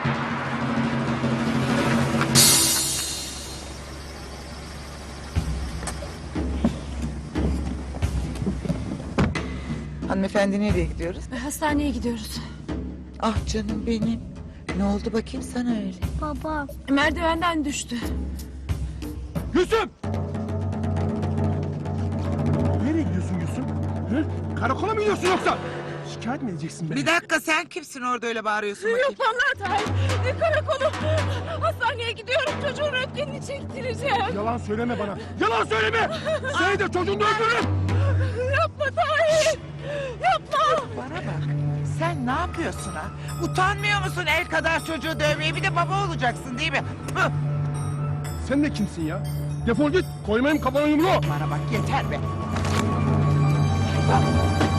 Hanımefendi nereye gidiyoruz? Hastaneye gidiyoruz. Ah canım benim. Ne oldu bakayım sana öyle? Baba. Merdivenden düştü. Gülsüm! Nereye gidiyorsun Gülsüm? Hı? Karakola mı gidiyorsun yoksa? Şikayet mi edeceksin beni? Bir dakika, sen kimsin orada öyle bağırıyorsun bakayım? Yok vallahi Tahir. Karakolu. Hastaneye gidiyorum. Çocuğun röntgenini çektireceğim. Yalan söyleme bana. Yalan söyleme! Seni de çocuğunu da öldürürüm! Yapma Tahir. Yapma. Bana bak. Sen ne yapıyorsun ha? Utanmıyor musun el kadar çocuğu dövmeye? Bir de baba olacaksın değil mi? Hı! Sen de kimsin ya? Defol git. Koymayayım kafana yumruğu. Bana bak, yeter be.